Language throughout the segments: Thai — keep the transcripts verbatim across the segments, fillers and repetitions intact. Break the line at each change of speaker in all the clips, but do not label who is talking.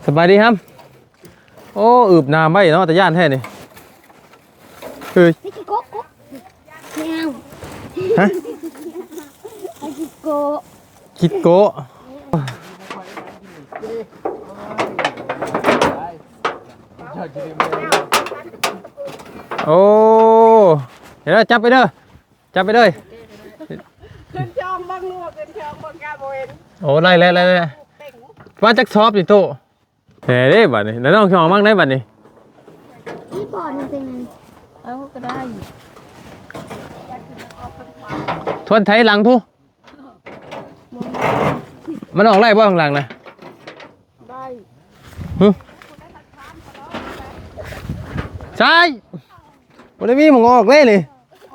สบายดีครับโอ้อึบน้ำไม่เนาะแต่ย่านแท้นี่คือ
ไอ้กิโก้ไม่เอา
ฮะ
ไอ้กิโก้
คิดโกะโอ้เดี๋ยวจับไปเด้อจับไปเลย
ขึ้นจองบังลูกขึ้นจองบังกาโบเอ็น
โอ้ไล่ไล่ไล่ไล่ว่าจักชอบดิโตเฮ้ยได้บัดนี้แล้วน้องชอบมั่งได้บัดนี้
ที่บอลมันเป็นไง
เอาก็ได้
ทวนไทยหลังทุมันออกไล่บ่ข้างหลังนะ
ได้
ฮึใช่วันนี้มีหมองออกเลยนี่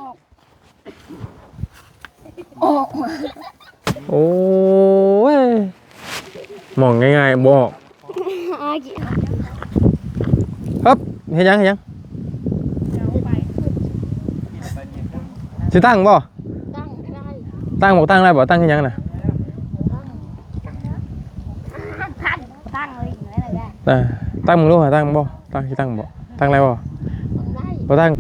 ออก
โอ้ยมองง่ายๆบอก
ไอ้กิ
ฮึบเห็นยังเห็นยังสิตั้งบ่
ตั้งได้
ตั้งบอกตั้งได้บ่ตั้งเห็นยังน่ะ
ตั้งตั้งเลยอย่างไรเลยได้
อ่าตั้งมึงรู้หรอตั้งบ่ตั้งสิตั้งบ่ตั้งอะไรบ่
ได้
บ่ตั้ง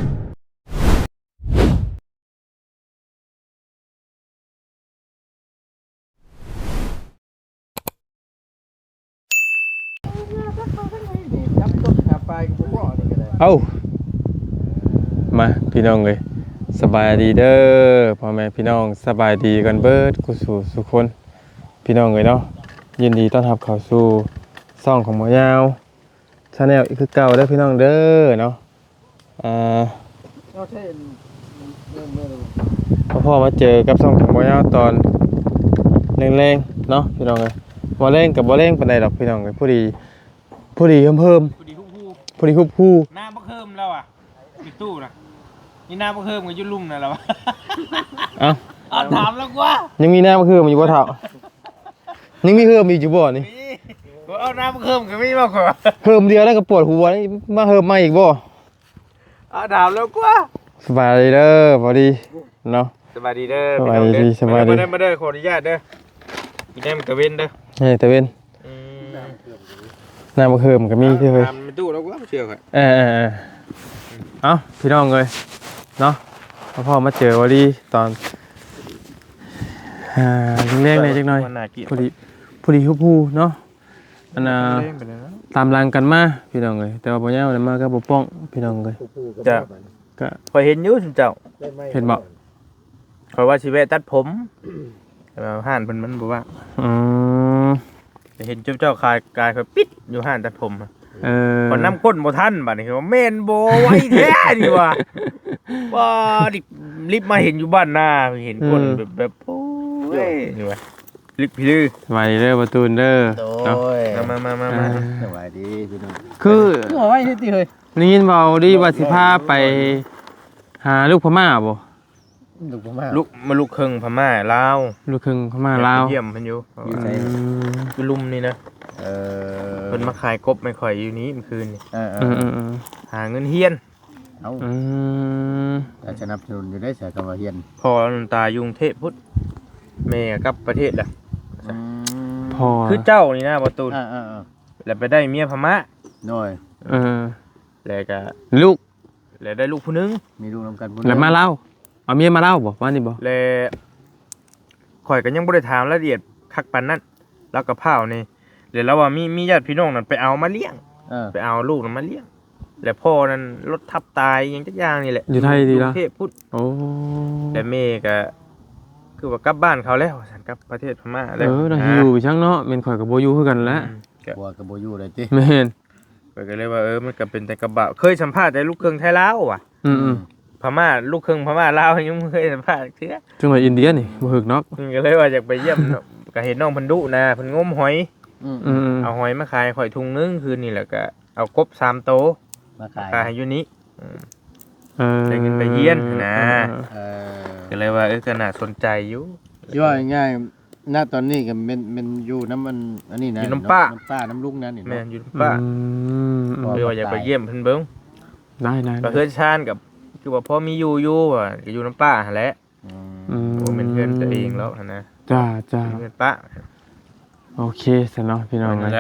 เอามาพี่น้องเลยสบายดีเด้อพ่อแม่พี่น้องสบายดีกันเบิดกุสู่สุคนพี่น้องเลยเนาะยินดีต้อนรับเข้าสู่ซ่องของหมอยาวชาแนลอีกคือเก่าเด้อพี่น้องเด้อเนาะอ่าพ่อพ่อมาเจอกับซ่องของหมอยาวตอนแรงๆเนาะพี่น้องเลยบ่แรงกับบ่แรงปานใดดอกพี่น้องเลยผู้ดีผู้ดีเพิ่ม
พอดีคู่คู่
ๆผู้ดีคุบคู่
หน้าบักเฮิมแล้วอ่ะปิดตู้นะนี่หน้าบักเฮิมกับยุ่ลุ่มนะแล้ว
เอ้า
เอาถามแล้วว่า
ยังมีหน้ามาคือมันอยู่บ่เท่ายังมีเพิ่มอีกอยู่บ่นี่
นี่กูเอาหน้าบักเฮิมกับไม่มากกว่า
เพิ่มเดียวแล้วก็ปวดหัวนี่มาเพิ่มมาอีกบ่
เอาถามแล้วว่า
สบายดีเด้อพอดีเนาะ
สบายดีเด้อ
สบายดีสบายดี
มาเด้อมาเด้อขออนุญาตเด้อพี่แก้มกระเว้นเด้อ
เฮ้ยตะเวน
อืม
หน้ามาเพิ่มก็มีที่เฮ้ย
ถามในตู้แล้วว่าเชื่อค่ะ
เออเออเออเอ้าพี่น้องเลยเนาะพ่อพ่อมาเจอพอดีตอนอ่าเล็กๆเลยจักหน่อย
มันน่ากิน
พอดีพอดีคุบคู่เนาะอันน่ะ
เล่นไปเลยนะ
ตามรังกันมาพี่น้องเลยแต่ว่าบ่ยาวมาก็บ่ป้องพี่น้องเลย
จะ
ก็
คอยเห็นอยุ่สุนเจ้า
เห็นบ่
คอยว่าชีวิตตัดผมแต่ว่าห่านเพิ่นมันบอกว่า
อืม
แต่เห็นเจ้าเจ้าคายกายคอยปิดอยู่ห่านตัดผมอะ
เออ
คนน้ำข้นบ่ทันบัดนี้คือว่าเมนโบไว้แท้ดีว่าว่าดิรีบมาเห็นอยู่บ้านหน้าเห็นคนแบบแบบโอ้ยนี่ว่าลิบพี่ลือ
สบายดีเด้อประตูนเด้อเนาะ
มามามามา
อ่า
สวัสดีพี่น้อง
คือ
หัวไว้ที่ตีเฮ้ย
นี่ยินเบาดีว่าสิพาไปหาลูกพม่าบ่
ลูกผมมา
ลูกมาลูกครึ่งพม่าลาว
ลูกครึ่งพม่าลาว
เยี่ยมเพิ่นอยู่
อยู่ไส
อืม
อยู่ลุมนี่นะ
เออ
เพิ่นมาขายกบไม่ค่อยอยู่นี้เมื่อคืนนี่
เออเอ
อืม
อ
อืมอืม
หาเงินเฮียน
เอา
อืม
แต่สนับสนุนอยู่ได้เสียกรรมเฮียน
พอน้ำตายุงเทพพุทธแม่กลับประเทศล่ะ
พอ
คือเจ้านี่นะประตู
อ่าอ่าอ่า
แล้วไปได้เมียพม่า
หน่อย
เออ
แล้วก็
ลูก
แล้วได้ลูกผู้หนึง
มีลูกนำกันบุญ
แล้วมาเล่าเอาเมียมาเล่าบ่ว่านี่บ่
และข่อยก็ยังบ่ได้ถามรายละเอียดคักปานนั้นแล้วก็เผานี่เดี๋ยวเราว่ามีมีญาติพี่น้องนั่นไปเอามาเลี้ยง
เออ
ไปเอาลูกนั้นมาเลี้ยงแล้วพ่อนั้นรถทับตายอยังจักอย่างนี่แหละ
อยู่ไทยดี
ก
ละ
รุงเทพพุทธ
โอ้
แต่แม่ก็คือว่ากลับบ้านเขาแล้วสันกลับประเทศพม่า
เอ
แล้ว
อน่าอยู่ช่างเนาะแม่นข่อยกับบ่อยู่คือกันแหล้ว
อืมก็
บัวกับโบอยูเลยติ
แม่น
ข่อยก็เลยว่าเออมันก็เป็นแต่กระบะเคยสัมภาษณ์แต่ลูกครึ่งไทยลาวว่ะ
อืมอืม
พม่าลูกครึ่งพม่าลาวยังไม่เคยสัมภาษณ์เทื่อ
จังหวัดอินเดียนี่บ่ฮึกเนาะ
เพิ่นก็เลยว่าอยากไปเยี่ยมเนาะก็เห็นน้องเพิ่นดุนะเพิ่นงมหอย
อืม
อืมอืม
เอาหอยมาขายข่อยถุงนึงคืนนี่แหละก็เอากบสามโต
มาขาย
ขายอยู่นี้
เออ
ได้เงินไปเยี่ยนนะ
เออ
ก็เลยว่าเออก็น่าสนใจอยู่
ย่อยง่ายๆณตอนนี้ก็เป็นเป็นอยู่น้ำมันอันนี้นะ
อยู่น้ำป้า
น้ำป้าน้ำลุงนั่นนี่
แม่
เนาะ
นอยู่ป้า
อืมอืม
เออว่าอยากไปเยี่ยมเพิ่นเบิ่ง
ได้ได้
ก็เฮือนชานกับคือว่าพอมีอยู่อยู่อ่ะก็อยู่น้ำป้าหั่นแหละ
อืม
อืม
โอ้เป็นเพื่อนตัวเองแล้วหั่นนะ
จ้าจ้า
เพื่อนป้า
โอเคสเนาะพี่น้อง
นั่นแห
นะ
ละ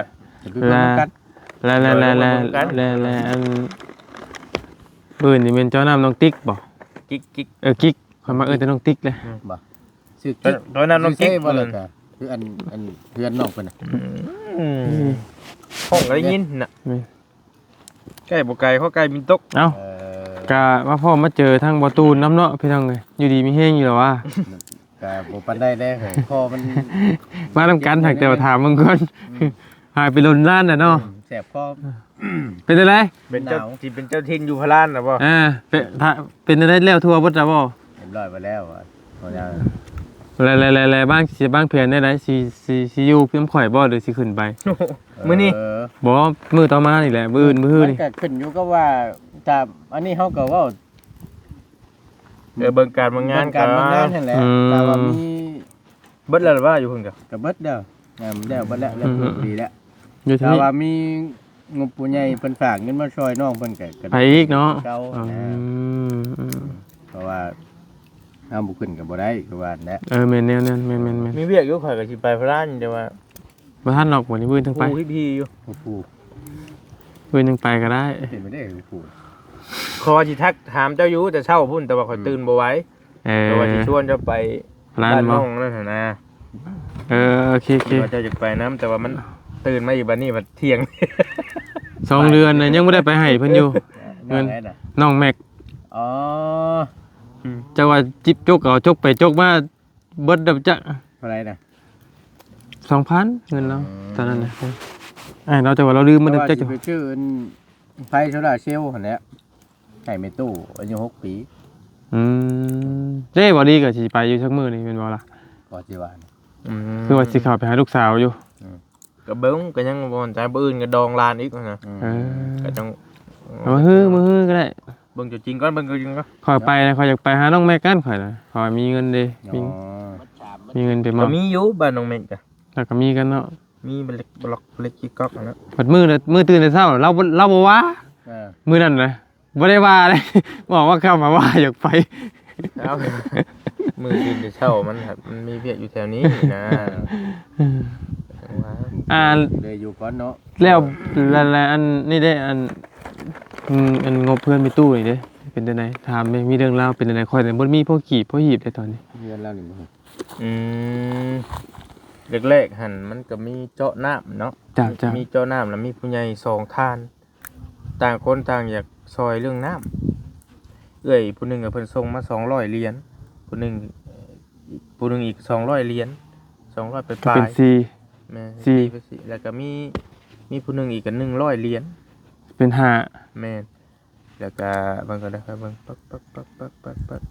จะไปเบิ่งกัน
แล้วแล้วแล้วแล้วแล้วแล้วอันปืนนี่เป็นเจ้าน้ำน้องติ๊กบ่
กิ๊กกิ๊ก
เออกิ๊กข่อยมาเอิ้นแต่น้องติ๊กเลย
บ่ชื่อ
ตอนตอนนั้นน้องกิ๊ก
ชื่บ่ล่ะก็คืออันอันเพื่อนน้องเพิ่นน่ะ
อืมห้องก็ได้ยินน่ะใกล้บ่ไกลเขาใกล้มินตก
เอ้า
เออ
ก็มาพ่อมาเจอทางบ่ตูนน้ำเนาะพี่น้องเอ้ยอยู่ดีมีแฮงอยู่แล้วว่า
ก็บ่ปานได้เด้อคอมัน
มาทำกันถักแต่ว่าถามมึงก่อนหายไปลนล้านน่ะเนาะ
แสบคอ
เป็นอะไร
เป็นเจ้า
หนาว
ที่เป็นเจ้าถิ่นอยู่พะลานน่ะบ่
อ่าเป็นถ้าเป็นอะไรแล้วทั่วบ่จ้ะบ่
เรียบร้อยไปแล้วอ่ะพอยัง
แล้วๆๆๆบ้างสิบ้างเพียนได้ไหนสิสิสิอยู่เพิ่มข่อยบ่หรือสิขึ้นไป
มื้อนี้
เออ
บ่มื้อต่อมานี่แหละมื้ออื่นมื้อ
มัน
นี่
ก็ขึ้นอยู่กับว่าถ้าอันนี้เฮาก็เว้า
เออเบิ่งการเบิ่งงาน
เบิ่การเบิ่งงานนั่นแหละแต่ว่ามี
เบิดแล้วว่าอยู่เพิ่นก็
ก็เบิดเด้องานแล้วเบิดแล้วแล้วดีแล้ว
อยู่ที่
ถ้า
นี่
ว่ามีงบผู้ใหญ่เพิ่นฝากเงินมาช่วยน้องเพิ่นก็ก็
ไปอีกเนาะ
เก่า
อื
นะ
มอืม
เพราะว่าเฮาบ่ขึ้นก็บ่ได้คือว่าแหละ
เออแม่นแนวนั้นแม่นแม่นแม่น
มีเวียกอยู่ข่อยก็สิไปพะลานแต่ว่า
บ่ทันดอกบ่นี่มื้อนึงไป
ผู้พี่ๆอยู่
โอ้โห
มื้อนึงไปก็ได้
เป็นไปได้โอ้โห
ขอสิทักถามเจ้าอยู่แต่เช้าพุ่นแต่ว่าข่อยตื่นบ่ไหว
เออ
แต่ว่าสิชวนเจ้าไป
ร้าน
บ้าน
บ่
น้องนั่นน่ะนะ
เออโอเคโอเค
ว่าเจ้าจะไปน้ำแต่ว่ามันตื่นมาอยู่บัดนี้บัดเที่ยง
สองเดือนน่ะยังบ่ได้ไปให้เพิ่นอยู่ เงิน
ได้น่ะ
น้องแม็ก
อ๋อ
จะว่าจิบจกเอาจกไปจกมาเบิดดับจะ
เท่าไหร่น่ะ
สองพันเงินเราตอนนั้นนะไอ้เราจะว่าเราลืมมัน
เพ
ดับ
ราะว่า
จะ
สิไปชื่ออันไฟโซลาร์เซลล์หั่นแหละไก่เมตู้อายุหกปี
อืมเจ๊บอดีก็สิไปอยู่ชักมือนี่เป็นบ่ล่ะ
ก็สิว่า
คือว่าสิเข้าไปหาลูกสาวอยู่
ก็เบิ้งก็ยังบ่มั่นใจบ่อื่นก็ดองลานอีกนะ
เออ
ก็ต้อง
เอามาฮื้อมาฮื้อก็ได้
เบิ่งจุดจริงก่อนเบิ่งจุดจริงก่อน
ขอยไปนะขอยอยากไปหาน้องแม่กันขอยนะขอยมีเงินเด้มี
อ๋อ
มีเงินไปม
ก็
อบ
มีอยู่บ้านน้องเมฆก็
แล้วก็มีกันเนาะ
มีบล็อกบล็อกเล็กกิ๊กก๊อกนะ
บัดมื้อน่ะมื้อตื่นแต่เช้าเราบ่เราบ่ว่า
เออ
มื้อนั้นน่ะบ่ได้ว่าเลย บอกว่าเข้ามาว่าอยากไป
เอามือกินจะเช่ามันครับมันมีเวียกอยู่แถวนี้นะว่า
อ่า
เลยอยู่ก่อนเนาะ
แล้วแล้วแล้วอันนี่ได้อันอืมอันงบเพื่อนมีตู้นี่เด้เป็นจังไดถามแม่มีเรื่องราวเป็นจังไดค่อยแต่บ่มีพวกขีบพวกหีบได้ตอนนี้
เรียนแล้วนี่มั้ง
อืมแรกๆหั่นมันก็มีเจาะน้ำเนาะ
จ้ะจ้ะ
มีเจาะน้ำแล้วมีผู้ใหญ่สองท่าน ต่างคนต่างอยากซอยเรื่องน้ำเอ้ยผู้หนึงก็เพิ่นส่งมาสองร้อยเหรียญผู้หนึงเอ่อผู้หนึงอีกสองร้อยเหรียญสองร้อยไปป
ก็
ลา
เป็น
ย
ซี
แม่
สี่
สี่ไปสี่แล้วก็มีมีผู้หนึงอีกก็หนึ่งร้อยเหรียญ
เป็นห้า
แม่นแล้วก็เบิ่งก็ได้ครับเบิ่งปักปักปักปักปักปัก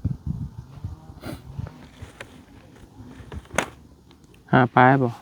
ห้าปลายบ่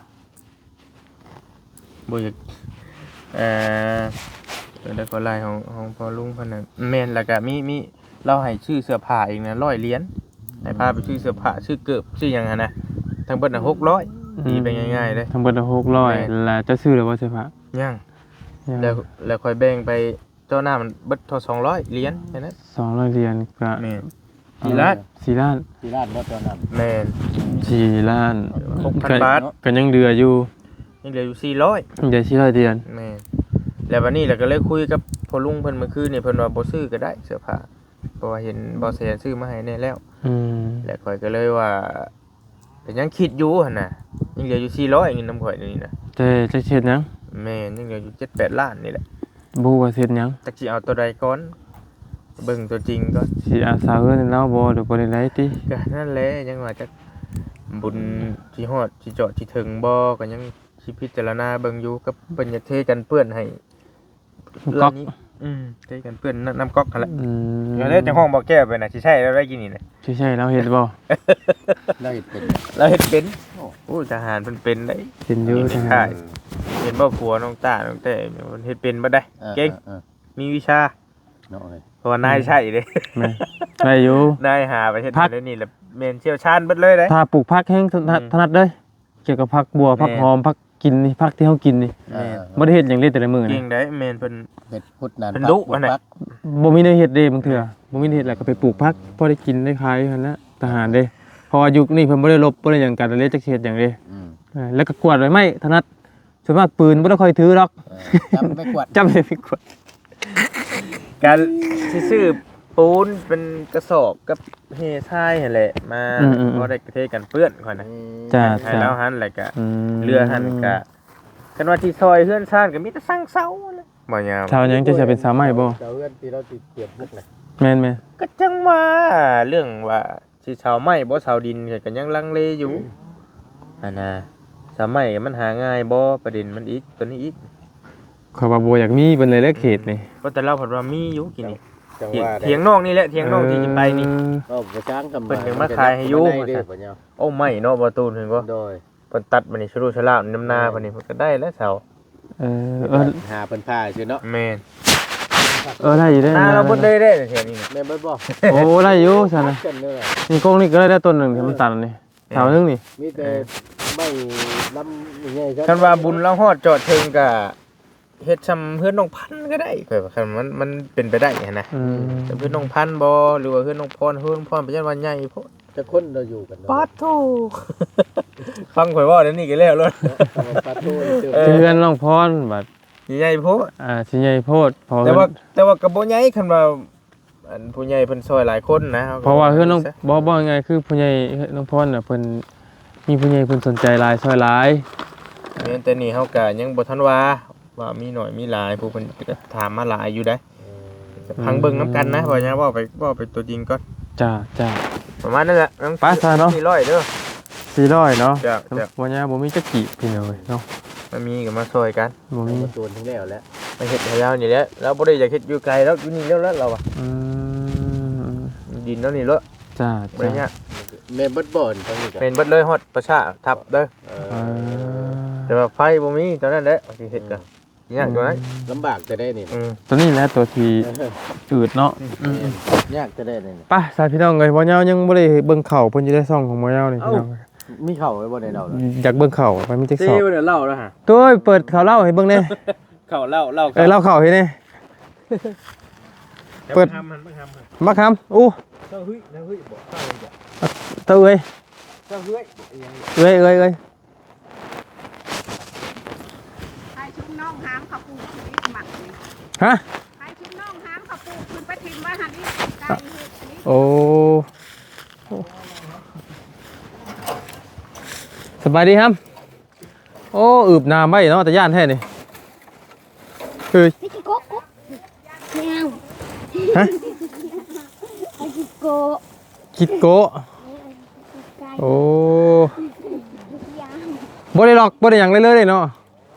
บ่อยากเอ่อแล้วก็ลายของของพ่อลุงเพิ่นน่ะแม่นแล้วก็มีมีเราให้ชื่อเสื้อผ้าอีกนะร้อยเหรียญให้พาไปชื่อเสื้อผ้าชื่อเกิบชื่อหยังหั่นนะทั้งเบิดน่ะหกร้อยตีไปง่ายๆเลย
ทั้งเบิดหกร้อยแล้วจะซื้อแล้วบ่ใช่ปะ
ยัง
ยัง
แล้วแล้วค่อยแบ่งไปเจ้าหน้ามันเบิดเท่าสองร้อยเหรียญแค่นั้น
สองร้อยเหรียญก็
แม่นสี่ล้าน
สี่ล้าน
ที่ร้านบ่ตอนนั้น
แม่น
สี่ล้าน
หกพัน
ก็
บาท
ก็ยังเดืออยู่
ยังเหลืออยู่สี่ร้อย
เดี๋ยวสี่ร้อยเหรียญ
แม่นแล้ววันนี้เราก็เลยคุยกับพ่อลุงเพิ่นเมื่อคืนนี่เพิ่นว่าบ่ซื้อก็ได้เสื้อผ้าเพราะว่าเห็นบ่แสนซื้อมาให้แน่แล้ว
อืม
แล้วข่อยก็เลยว่าก็ยังคิดอยู่หั่นน่ะยังเหลืออยู่สี่ร้อยเงินน้ำข่อยนี่นะ
แต่จะเฮ็ดหยัง
แม่นยังเหลืออยู่เจ็ดแปดล้านนี่แหละ
บ่ว่าเฮ็ดหยัง
จักสิเอาตัวใดก่อนเบิ่งตัวจริงก่อน
สิอาสาเฮือนให้เราบ่หรือบ่ได้ไรติ
ก็นั่นแหละยังว่าจักบุญสิฮอดสิเจาะสิถึงบ่ก็ยังสิพิจารณาเบิ่งอยู่กับเพิ่นอยากเทกันเปื้อนให้
ก๊อก
ร้านนี้อืมเทกันเปื้อนน้ำน้ำก๊อกหั่นแหละ
อืม
เดี๋ยวได้จังห้องบ่แก้ไปน่ะสิใช่แล้วได้กินนี่น่ะ
ใช่ใช่เราเฮ็ดบ่
แล้วเฮ็ดเป็น
เราเฮ็ดเป็นโอ้ทหารเพิ่นเป็นได้
เป็นอยู่
ใช่
ทาง
เห็นบ่ผัวน้องตาน้องแต่เพิ่นเฮ็ดเป็นบ่ได้
ออ
เก่ง
ออ
มีวิชา
เนาะเอ้ย
เพราะว่านายใช่เด้
แม่ได้อยู่
นายหาไปเฮ็ด
พัก
ได้นี่แหละแม่นเชี่ยวชาญเบิดเลยเด้
ถ้าปลูกผักแห้งถนัด
อืม
ถนัดเด้อเกี่ยวกับผักบัวผัก
แม่
หอมผักกินนี่ผักที่เฮากินนี่
เออ
บ่ได้เฮ็ดหยังเลยแต่ละมื้อ
เก่
นี่
งได้แม่นเพิ่น
เฮ็ดพุทธนาน
เป็น
พัก
ดุอันไหน
พัก
บ่มีได้เฮ็ดเด้บางเทื่อบ่มีได้เฮ็ดแล้วก็ไปปลูกผักพอได้กินได้ขายหั่นแหละทหารเด้เพราะว่ายุคนี้เพิ่นบ่ได้รบบ่ได้หยังกันเลยจักสิเฮ็ดหยังเด้
อืม
เออแล้วก็กวาดใบไม้ถนัดส่วนมากปืนบ่ต้องค่อยถือหรอก
จับไม่กวด
จำได้ไม่กวด
การสิซื้อปูนเป็นกระสอบกับเฮทรายนั่นแหละมาบ่ได้กระเทกันเปื้อนค่อยนะ
จ้า
ให้
จ้า
แล้วหันแล้วก็
ม
เรือหันก็กันว่าที่ซอยเฮือนซ่านก็มีแต่สร้างเสาเลยบ่ยาม
ชาวยังจะจะเป็นสาวใหม่บ่
เจ้าเพื่อนที่เราติดเก็บบุกนะ
แม่นแม่น
ก็จังว่าเรื่องว่าสิชาวไม้บ่ชาวดินก็ยังลังเลอยู่อันน่ะชาวไม้มันหาง่ายบ่ประเด็นมันอีกตัวนี้อีก
ขอยว่าบ่อยากมีเพิ่นเลยเลิกเขตนี่
ก็แต่เราเพิ่นว่ามีอยู่กินนี่
จัง
เถียง
ว่า
เถียงนอกนี่แหละเถียงนอกที่จะไปนี่
เออ
ก็ไปช้างกำ
เพิ่นยังมาขายให้อยู่
เด้อบ่เนี่ย
โอ้ไม่เนาะบ่ตูนเห็นบ่
โดย
เพิ่นตัดมานี่ชะลูชะลาน้ำนาเพิ่นนี่เพิ่นก็ได้แล้วเสา
เออเออ
หาเพิ่นผ้าซื่อเนาะ
แม่น
เออได้อยู่ได้
นาเราบ่ได้ได้แถวนี้น่ะ
แม่นบ่บ่
โอ้ได้อยู่ซั่นน่ะ
กันเด้อ
นี่กงนี่ก็ได้ได้ต้นหนึงที่มันตัดอันนี่แถวนึงนี่
มีแต่ไม่ลำใหญ่
คันว่าบุญเราฮอดจอดถึงก็เฮ็ดซำเพื่อนน้องพันธุ์ก็ได้ข่อยว่าคันมันมันเป็นไปได้หันนะ
อืม
แต่เพื่อนน้องพันธุ์บ่หรือว่าเพื่อนน้องพรเพื่อนน้องพรเป็นจังว่าใหญ่โพด
จะคนเราอยู่กัน
ปาดโธ่ฟังข่อยเว้าเดี๋ยวนี้ก็แล้วเลย
ปาตูเจอ
เออ
เพื่อนน้องพรบัด
ใหญ่โพด
อ่าสิใหญ่โพดเพราะ
แต่
ว่า
ว่าแต่ว่าก็บ่ใหญ่คันว่าอันผู้ใหญ่เพิ่นซอยหลายคนนะ
เพราะว่าเพื่อนน้องบ่บ่ยังไงคือผู้ใหญ่น้องพรน่ะเพิ่นมีผู้ใหญ่เพิ่นสนใจหลายซอยหลาย
แม่นแต่นี่เฮาก็ยังบ่ทันว่าว่ามีหน่อยมีหลายผู้เพิ่นก็ถามมาหลายอยู่ได้ก็พังเบิ่งนํกันนะว่าหยังเว้าไปเว้าไปตัวจริงก่อน
จ้าจ้า
ประมาณนั้นแหละน้อง
ไปซะเนาะ
สี่ร้อยเด้อ
สี่ร้อยเนาะ
จ้ะจ้ะ
วันนี้บ่มีจักกี่พี่น้อยเนาะ
มันมีก็มาซอยกัน
บ่มี
มาตูนทั้งแล้วแล้ว
มาเฮ็ดให้เรานี่แหละเราบ่ได้อยากเฮ็ดอยู่ไกลแล้วอยู่นี่แล้วแล้วเราอ่ะ
อืม
ดินแล้วนี่แล้ว
จ้า
บ่ได้
จ้า
เนี่ย
แม่เบิดบ่อนตรงนี้
เป็นเบิดเลยฮอดประชาทับเด้อ
เอ
เอ
อ
อ
แต่ว่าไฟบ่มีตอนนั้นแหละสิเฮ็ดก็ยากอยู่นะ
ลำบากจะได้นี่
อืม
ตัวนี้แหละตัวที่อืดเนาะอืม
ยากจะได้นี่
ไปสายพี่น้องเอ้ยบ่ยาวยังบ่ได้เบิ่งเข่าเพิ่นอยู่ในซ่องของบ่ยาวนี่พี่น้อง
มีเข่าไว้บ่ได้เรา
อยากเบิ่งเข่าไปมีจักสอบ
เดี๋ยวเล่าแล้วฮะ
ตัวเปิดข่าวเล่าให้เบิ่งแน่
เข้าเล่าเล่า
เอ้ยเล่าข่าวให้แน่ เปิด
ทำมันบ่ทำมัน
มาคำอู้
เจ้าเฮ้ยเจ้าเฮ้ยบ่เข้าเลยจ้ะ
เต้าเอ้ย
เจ้าเฮ้ย
เอ้ยเอ้ยเอ้ย
ให้ชุบน้องหามขับปูขึ้นอีกหมักนี่
ฮะ
ให้ชุบน้องหามขับปูขึ้นไปทิมไว้หันนี่ไก่เห็ดอันนี้
โอ้สบายดีครับโอ้อึบน้ำไว้เนาะแต่ย่านแท้นี่เฮ้ย
พี่จิโก้กุ๊กไม่เอา
ฮะ
พี่จิโก้
คิดโกะ
ไก่
โอ้
ยาง
บ่ได้หรอกบ่ได้หยังเลยเลยเนาะ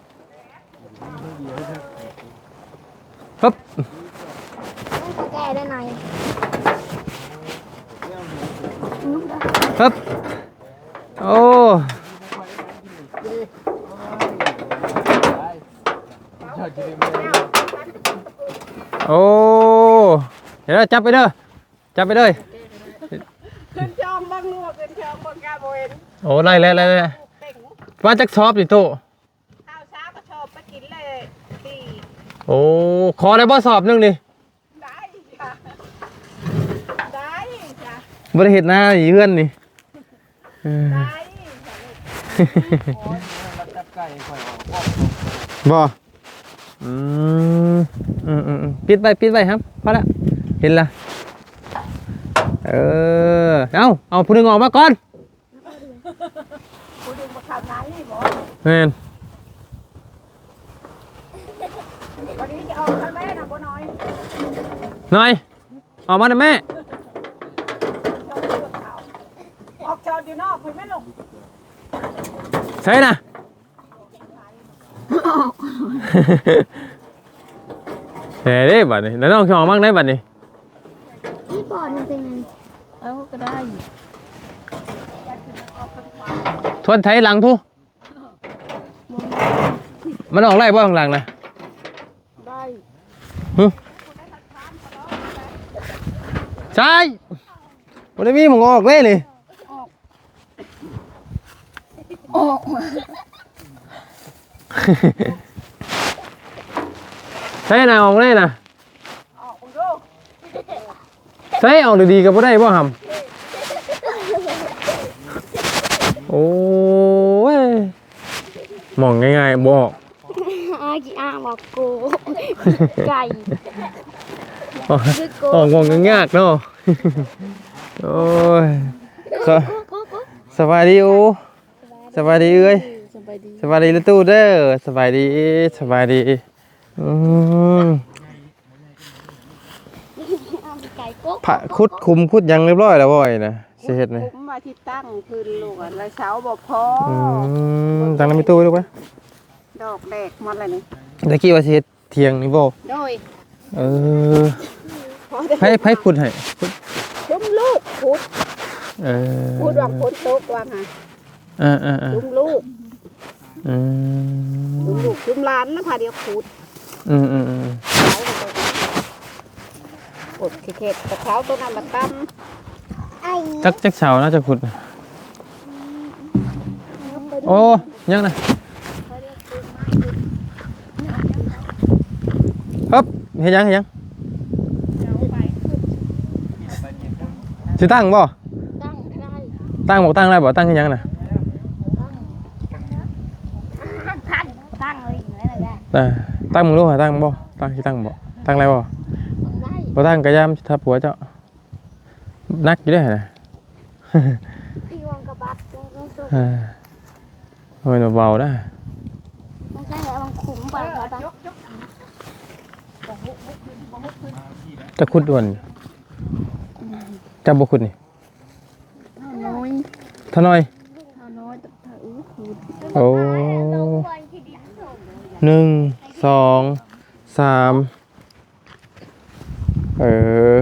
ปึ๊บ
ต้องแก้ได้หน่อย
ปึ๊บโอ้โอ้เดี๋ยวเราจับไปเด้อจับไปเลย
ขึ้นจองบังลวกขึ้นจองบังกาโบเอ็น
โอ้ไล่แล้วไล่แล้ว
เต่ง
ว่าจักชอบดิโต
ข้าวเช้าก็ชอบไปกินเลยตี
โอ้ขอได้บ่สอบหนึงดิ
ได้จ้ะได้จ้ะ
บ่ได้เฮ็ดหน้าอีเฮือนนี่เออ
ได้จ้ะ
บ่อืมอืมอืมอืมปิดไว้ปิดไว้ครับพอละเห็นละเออเอาเอาผู้หนึงออกมาก่อน
กูดึงมาทำงานนี่บอก
แม่น
วันนี้จะออกทางแม่นะบ่น้อย
หน่อยออกมาหน่อยแม่
ออกจอดอยู่นอกคุยไม่ลง
ใส่น่ะเฮ้ยบัดนี้แล้วน้องสิออกมั่งได้บัดนี้
พี่บอลมันเป็นไง
เอาก็ได้
ทวนไถหลังทุมันออกไล่บ่ข้างหลังนะ
ได้
หึใช่บ่ได้มีหมองออกเลยนี่
ออก
ใช่น่ะออกเลยน่ะ
ออกมึงดู
ใช่ออกดีๆก็บ่ได้บ่หำโอ้ยมองง่ายๆบอก
อากี่อ่างบอกกูไก่
อ๋อ
คือกู
อ๋องงยากๆเนาะ โอ้ยสว
กูกูกู
สบายดีอูสบายดีเอ้ย
สบายดี
สบายดีลูกตู้เด้อสบายดีสบายดีอืม
อ่างไก่กู
พระคุดคุมคุดยังเรียบร้อยแล้วบ่อยนะสิเฮ็ดนี่
ผมมาที่ตั้งคืนลูกอะแล้วเช้าบ่พอ
อืมตั้งน้ำมีตู้ไว้ลูกไว้
ดอกแดกหมดเลยนี่
ตะกี้ว่าสิเฮ็ดเที่ยงนี่บ่
โดย
เออ
พอได้
ไผไผขุดให้ขุด
ชุมลูกขุด
เออ
ขุดวางฝนตกวางฮะ
เออเออเออ
ชุมลูก
อื
ชุม
ม
ลูกชุมหลานแล้วพาเดียวขุด
อืมอืมอืม
ขุดเข็ดๆกระเช้าตัวนั้นมาตั้ม
ไอ้
จักจักเสาน่าจะขุดโอ้ยังนะฮึบเฮ็ดยังเฮ็ดยังสิตั้งบ่
ตั้งได้
ตั้งบอกตั้งได้บ่ตั้งเฮ็ดยังน่ะ
ตั้งตั้งเลยอะไรได้
อ่าตั้งมึงรู้หาตั้งบ่ตั้งสิตั้งบ่ตั้งอะไรบ่
ได้
บ่ตั้งก็ยามทับหัวเจ้านักอยู่เด้อน่ะ
ตีวงกระบัดตรงตรงตรง
อ่าโอ้ยเบาๆนะ
ไม่ใช่แล้วมันขุมไปเขาตั้ง
จะขุดด่วนจะบ่ขุดนี่
น้อย
เท่าน้อย
น้อยแต่ถ้าอู้ขุด
โอ้หนึ่งสองสามเออ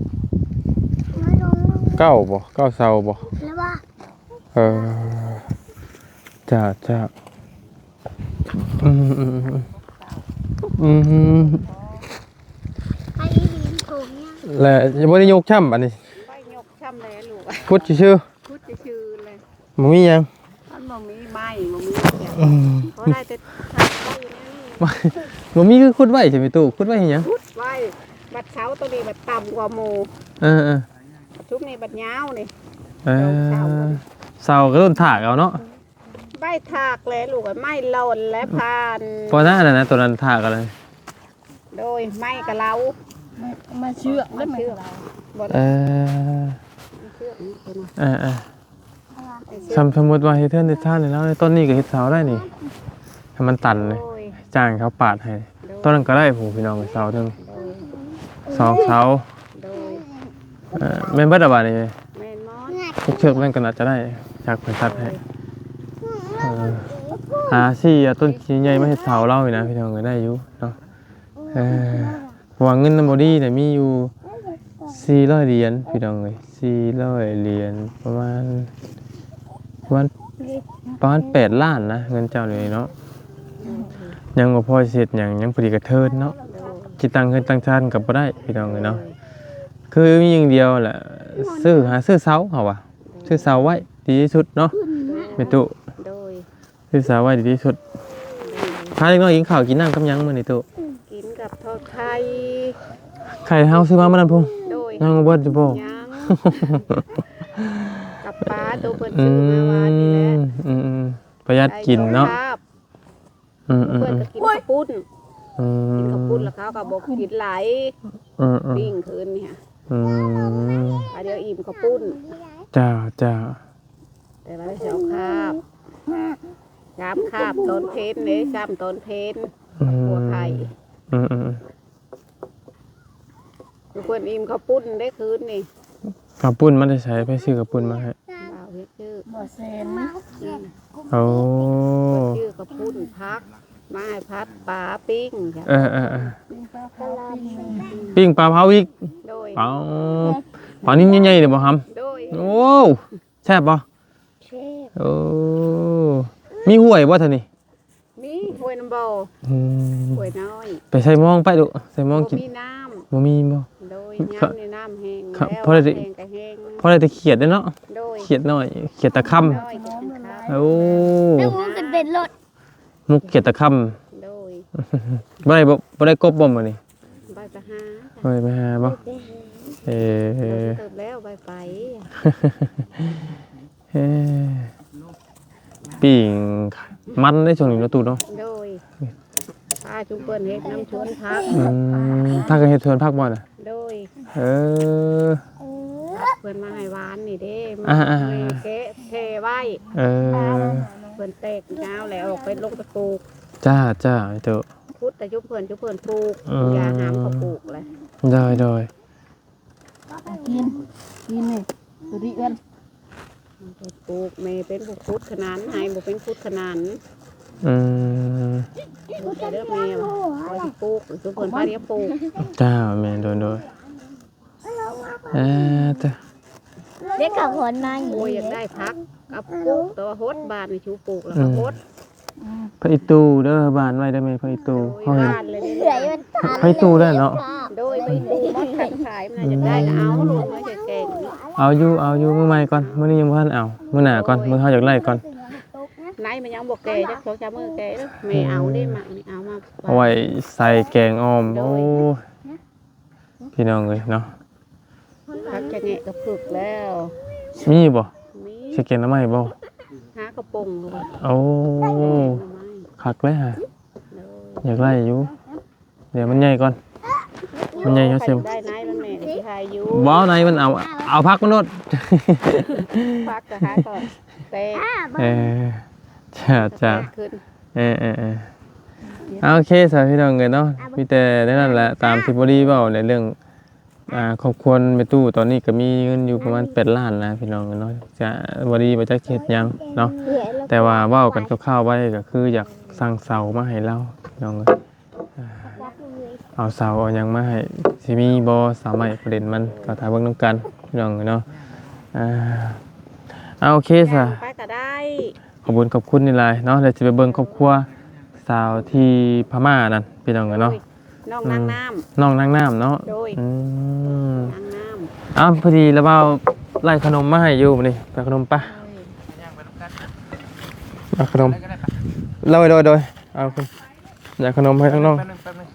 เก้าบ่เก้าเสาบ่
แล้วว่า
เออจ้าจ้าอืมอืมอืมอืม
ไอ้ดินถุงเนี่ย
แล้วจะบ่ได้ยกช่ำอันนี้
ไปยกช้ำเลยลูกอะ
ขุดชื่อ
ขุดจะชื่อเลย
ๆบ่มีหยัง
มันบ่มีไม้บ่มีเสียง
อืม
เพราะได้แต่ทำไว้อย่างนี้
บ่มีคือขุดไว้ใช่ไหมตู้ขุดไว้เฮ็ดหยัง
ขุดไว้บัดเช้าตัวนี้บัดต่ำกว่าหมู่
เออเออ
ชุบนี่บัดยาวนี่
เออเสาก็ต้นถากเอาเนาะ
ใบถากเลยลูกอะไม้หล่นและพาน
พอหน้าน่ะนะตัวนั้นถากอะไร
โดยไม้กะเหลา
มาเชือก
มาเชื่อมบ่
เอ
ได้
อ
เชื่อมนี่เป็น
เออเออ
ไอ้เชื่อ
สมสมมุติว่าเฮ็ดเทือนเฮ็ดท่านนี่แล้วในต้นนี้ก็เฮ็ดเสาได้นี่ให้มันตันเลย
โดย
จ้างเขาปาดให้ต้นนั้นก็ได้ผู้พี่น้องเสาถึง
โดย
สองเสา
โดย
เออแม่นเบิดอะบาดนี่
แม่นมอน
ทุกเชือกมันก็น่าจะได้จากเพิ่นตัดให้เออหาซี่อะต้นชิ้นใหญ่มาเฮ็ดเสาเรานี่นะพี่น้องก็ได้อยู่เนาะเออเพราะว่าเงินนำบ่ดีเนี่ยมีอยู่สี่ร้อยเหรียญพี่น้องเอ้ยสี่ร้อยเหรียญประมาณประมาณประมาณแปดล้านนะเงินเจ้านี่เนาะยังบ่พอเสร็จหยังยังพอดีกระเทินเนาะสิตั้งเงินตั้งชาติก็บ่ได้พี่น้องเอ้ยเนาะคือมีอย่างเดียวแหละซื้อหาซื้อเสาเขาว่ะซื้อเสาไว้ดีที่สุดเนาะแม่ตุ
โดย
ซื้อเสาไว้ดีที่สุดพาเด็กน้อยกินข้าวกินน้ำกับหยังมื้อนี้ตุ
กินกับทอดไข่
ไข่เฮาซื้อมามื้อนั้นพุ่น
โดย
ยังบ่เบิดอยู่บ่
ยังกับปลาตัวเพิ่น
อื
ซื้อมาวานนี่แหละ
มอืมๆประหยัดกินเนาะ
ครับ
อืม
เพื่อนก็กินข้าวปุ้น
ๆอืม
กินข้าวปุ้นแล้วเขาก็บอกกินหลาย
อืมๆ
ปิ้งคืนเนี่ย
อืม
อันเดียวอิ่มข้าวปุ้น
จ้าจ้า
แต่ว่าได้สองคาบสามคาบตอนเพนเลยสามตอนเพน
อืม
หัวไข่
อืมอืม
ทุกคนอิ่มข้าวปุ้นได้คืนนี่
กระปุ้นมันได้ใช้ไปซื้อกระปุ้นมาให้
บ่าวเฮ็ดชื่อ
บ่เซน
โอ้
ชื่อข้าวปุ้นพักไม้พัดปลาปิ้งจ้ะ
เออเออเออปิ้งปลาเผาอีก
โดย
เปล่าปลานิ่มใหญ่ๆเดี๋ยวบ่ฮัม
โดย
โอ้แซ่บบ่
เชฟ
โอ้มีห้วยบ่ท่านี่
มีห้วยน้ำบ่อ
อืม
ห้วยน้อย
ไปใส่หมองไปดูใส่หมอง
บ่
กิน
มีน้
บ่มีบ่
ำโดย
ครับ
น้ำในน้ำแห้ง
ครับ
แล้ว
เพราะอะไร
แห้งก็แห้ง
เพราะได้แต่เขียดเด้อเนาะ
โดย
เขียดน้อยเขียดตะค่
น้อยกินข้าว
ำโอ้
แล้วมึงกันเป็นรถ
มุกเขียดตะค่
โดย
ำบ่ได้บ่บ่ได้กบบ่มื้อนี้
ใบไปหา
บ่ได้ไปหาบ่เออ
เติบแล้วใบไป
เออปิ้งมันได้ช่วงนี้เนาะตูเนาะ
โดยพาชุมเปิ้นเฮ็ดน้ำชวนพัก
อืมถ้าก็เฮ็ดเทือนพักบ่น่ะ
โดย
เออ
เพิ่นมาให้หวานนี่เด้
อ่า
มา
ๆ
เมเกะเทไว้
เออ
เพิ่นแตกยาวแล้วออกไปลงตะปลูก
จ้าจ้าไอ้เด้อ
พุทธแต่ชุมเพิ่นชุมเพิ่นปลูก
อืม
อย่าหามเขาปลูกเลย
ได้ได้
กินกินเลยสุริเอื้อน
เพิ่นปลูกแม่เป็นผู้พุทธขนานให้บ่เป็นพุทธขนาน
อืม
พุทธเด้อแม่ว่าคอยสิปลูกชุมเพิ่นพาเรียกปลูก
จ้าแม่นโดนโดยเออจ้ะ
เด็กกับคนมาอยู่
โอ้ยอยากได้พักกับปลูกแต่ว่าโฮดบ้านนี่ชูปลูกแล้วก็โฮด
พระอิตูเด้อบ้านไว้ได้ไหมพระอิตู
โดย
เฮาเห็น
บ้านเลย
เหนื่อยมันทาน
พระอิตูได้เนาะ
โดยไปปลูกมันขันขายมันน่าจะได้ก็เอาลูกมันจะเก่ง
เอาอยู่เอาอยู่มื้อใหม่ก่อนมื้อนี้ยังบ่ทันเอามื้อหน้าก่อนมื้อเฮาอยากไล่ก่อน
ไหนมันยังบ่แก่จักสองสามมื้อแก่เด้อแม่เอาได้มานี่เอามา
เอาไว้ใส่แกงอ้อมโอ้พี่น้องเอ้ยเนาะ
พักจะแงะกับผึกแล้ว
มีบ่
มี
สิเก็นน้ำใหม่บ่
หากระปงเลย
โอ้คักเลยฮะอยากไล่อยู่เดี๋ยวมันใหญ่ก่อนมันใหญ่เขาเสีย
ได้ไหนมันแม่ที่ทายอยู่
บ่ในมันเอาเอาพักมันโนด
พักก็หาก่อนเตะ
เออจ้าจ้า
ขึ้น
เออเออเออเอาโอเคสาวพี่น้องเอ้ยเนาะมีแต่นั่นแหละตามที่บ่ดีเว้าในเรื่องอ่าครอบครัวแม่ตู้ตอนนี้ก็มีเงินอยู่ประมาณแปดล้านนะพี่น้องเอ้ยเนาะจะบ่ดีบ่จักเฮ็ดหยังเนาะแต่ว่าเว้ากันคร่าวๆไว้ก็คืออยากสั่งเสามาให้เราพี่น้องเอ้ยอ่าเอาเสาเอาหยังมาให้สิมีบ่สามารถประเด็นมันก็ถ้าเบิ่งนํกันพี่น้องเอ้ยเนาะอ่าเอาโอเคซะ
ไปก็ได้
ขอบคุณขอบคุณนี่หลายเนาะเดี๋ยวจะไปเบิ่งครอบครัวสาวที่พม่านั่นพี่น้องเอ้ยเนาะ
น้องนางน้ำ
น้องนางน้ำเนาะ
โดย
อืม
นางน้
อ้าวพอดีแล้วเอาไล่ขนมมาให้อยู่มื้อนี้ไปขนมปะเอาขนมโดยโดยโดยเอาคุณอยากขนมให้ทั้งน้อง
แป๊บนึงแป๊บนึง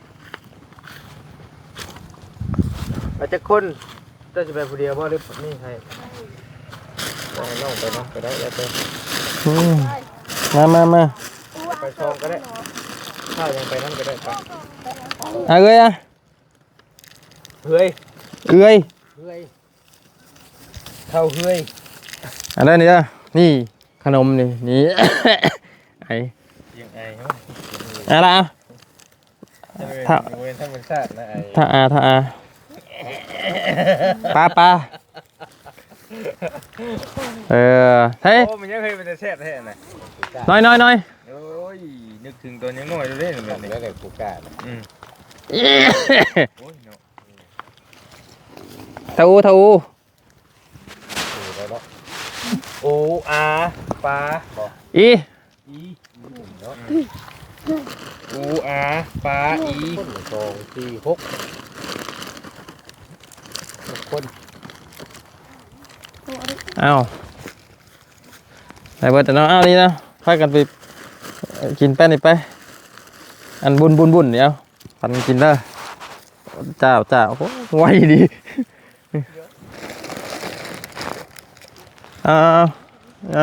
อาจจะคนเจ้าจะไปผู้เดียวบ่หรือนี่ให้ไปน้องไปน้องไปได้แล้วไป
อืมมามามา
ไปชองก็ได้ข้าวยังไปนั่นก็ได้ไป
เอาเอ้ยอ่ะ
เฮ้ย
เอ้ย
เฮ้ยเข้าเฮ้ย
อันนั้นนี่จ้ะนี่ขนมนี่นี่ ไอ้
ยังไงเนาะ
อะไรอ่ะ
ถ้าเว้นธรรมชาตินะไอ้
ถ้าอาถ้าอาปลาปลาเออเฮ้ย
โอ้มันยังเคยเป็นแต่แซ่บแท้น่ะ
น้อยน้อยน้อย
โอ้ยนึกถึงตัวยังน้อยดูเด้แบบนี้แล้วแต่กูกล้าอืมโอ้ยเนาะ
เท่าอูเท่าอู
โออาปลาบอก
อี
อีโออาปลาอีสองสี่หกหกคน
เอ้าไหนเบิร์ตเนาะเอ้านี่นะพากันไปกินแป้นนี่ไป อันบุญบุญบุญเดี๋ยวปันกินเด้อเจ้าเจ้าโอ้ไวดีเอาเอาเอา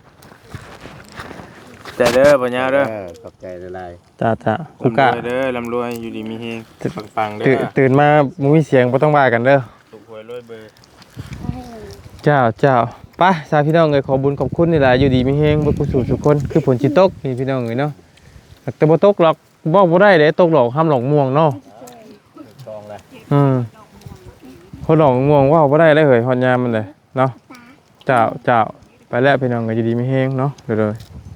แต่เด้อปัญญาเด้อ
ขอบใจหลาย
จ้าจ้าคุกกะ
ลำรวยเด้อลำรวยอยู่ดีมีเฮงปังๆเด้
ตื่น
อ
ตื่นมามึงมีเสียงบ่ต้องว่ากันเด้อ
ถูกหวยรวยเบอร์
เจ้าเจ้าไปสาพี่น้องเอ้ยขอบุญขอบคุณนี่แหละอยู่ดีมีเฮงบ่กุศลทุกคนคือผลสิตกนี่พี่น้องเอ้ยเนาะแต่บ่ตกหรอกบ่บ่ได้เด้ตกหรอกห้ามหลอกม่วงเนาะ
ๆทองเลย
อืมคนหลอกม่วงว่าบ่ได้เลยเฮ้ยฮอดยามมันเลยเนาะเจ้าเจ้าไปแล้วพี่น้องเอ้ยอยู่ดีมีเฮงเนาะเด้อๆ